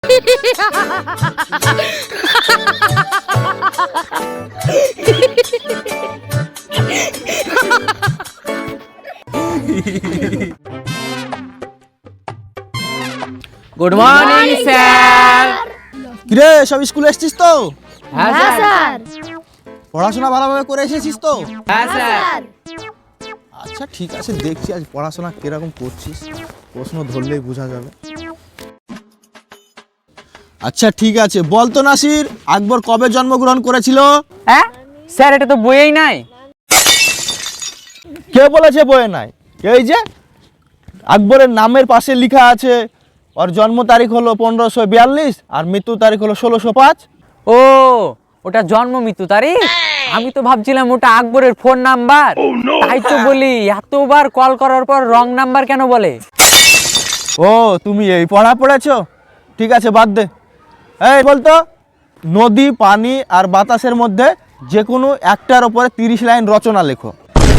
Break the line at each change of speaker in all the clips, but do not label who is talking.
Good morning sir.
কিরে সব স্কুলে এসেছিস তো?
হ্যাঁ স্যার।
পড়াশোনা ভালোভাবে করে এসেছিস তো?
হ্যাঁ স্যার।
আচ্ছা ঠিক আছে, দেখছি আজ পড়াশোনা কিরকম করছিস, প্রশ্ন ধরলেই বোঝা যাবে। আচ্ছা ঠিক আছে, বল তো নাসির, আকবর কবে জন্মগ্রহণ করেছিল?
হ্যাঁ স্যার, এটা তো বইয়েই নাই।
কে বলেছে বইয়ে নাই? এই যে আকবরের নামের পাশে লেখা আছে ওর জন্ম তারিখ হলো 1542 আর মৃত্যু তারিখ হলো 1605।
ও, ওটা জন্ম মৃত্যু তারিখ? আমি তো ভাবছিলাম ওটা আকবরের ফোন নাম্বার। তাই তো বলি, এতবার কল করার পর রং নাম্বার কেন বলে?
ও, তুমি এই পড়া পড়েছো? ঠিক আছে, বাদ দে। এই বলতো, নদী, পানি আর বাতাসের মধ্যে যে কোনো একটার উপরে 30 লাইন রচনা লেখো।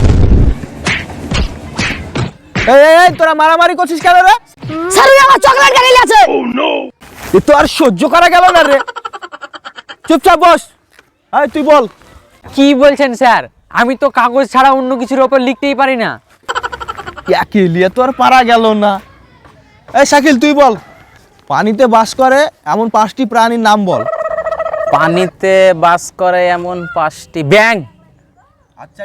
এই তোরা মারামারি করছিস কেন রে?
স্যার আমার চকলেট গাড়ি আছে।
এ তো আর সহ্য করা গেল না রে। চুপচাপ বস। এই তুই বল।
কি বলছেন স্যার? আমি তো কাগজ ছাড়া অন্য কিছুর ওপর লিখতেই পারি না।
একে লিয়ে তো আর পারা গেল না। এই শাকিল তুই বল, পানিতে বাস করে এমন 5টি প্রাণীর নাম বল।
পানিতে বাস করে এমন 5টি। ব্যাঙ।
আচ্ছা,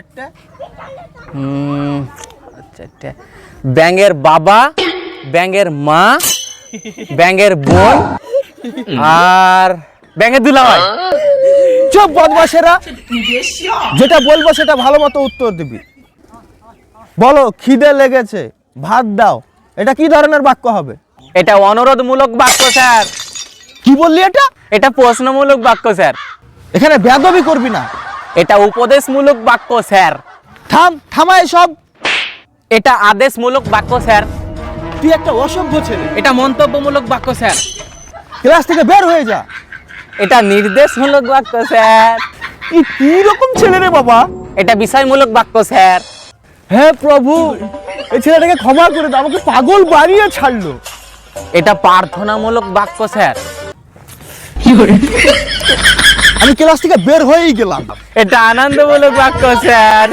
আচ্ছা, ব্যাঙের বাবা, ব্যাঙের মা, ব্যাঙের বোন আর ব্যাঙের দুলাভাই।
চুপ বদমাশেরা, যেটা বলবো সেটা ভালো মতো উত্তর দিবি। বলো, খিদে লেগেছে, ভাত দাও, এটা কি ধরনের বাক্য হবে?
এটা অনুরোধমূলক বাক্য স্যার।
কি বললি এটা?
এটা প্রশ্নমূলক বাক্য স্যার।
এখানে বেয়াদবি করবি না।
এটা উপদেশমূলক বাক্য স্যার।
থামা এসব।
এটা আদেশমূলক বাক্য স্যার।
তুই একটা অসভ্য ছেলে।
এটা মন্তব্যমূলক বাক্য স্যার।
ক্লাস থেকে বের হয়ে যা।
এটা নির্দেশমূলক বাক্য স্যার।
কি রকম ছেলে রে বাবা?
এটা বিষয়মূলক বাক্য স্যার।
হে প্রভু, এই ছেলেটাকে ক্ষমা করে দাও, আমাকে পাগল বানিয়ে ছাড়লো।
এটা প্রার্থনামূলক বাক্য স্যার।
আমি ক্লাস থেকে বের হয়েই গেলাম।
এটা আনন্দমূলক বাক্য স্যার।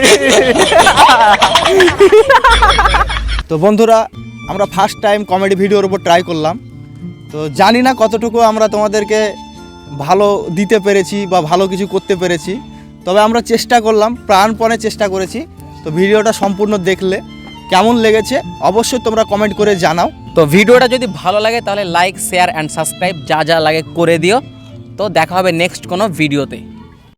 তো বন্ধুরা, আমরা ফার্স্ট টাইম কমেডি ভিডিওর উপর ট্রাই করলাম। তো জানি না কতটুকু আমরা তোমাদেরকে ভালো দিতে পেরেছি বা ভালো কিছু করতে পেরেছি, তবে আমরা চেষ্টা করলাম, প্রাণপণে চেষ্টা করেছি। তো ভিডিওটা সম্পূর্ণ দেখলে কেমন লেগেছে অবশ্যই তোমরা কমেন্ট করে জানাও।
তো ভিডিওটা যদি ভালো লাগে তাহলে লাইক, শেয়ার অ্যান্ড সাবস্ক্রাইব যা যা লাগে করে দিও। তো দেখা হবে নেক্সট কোনো ভিডিওতে।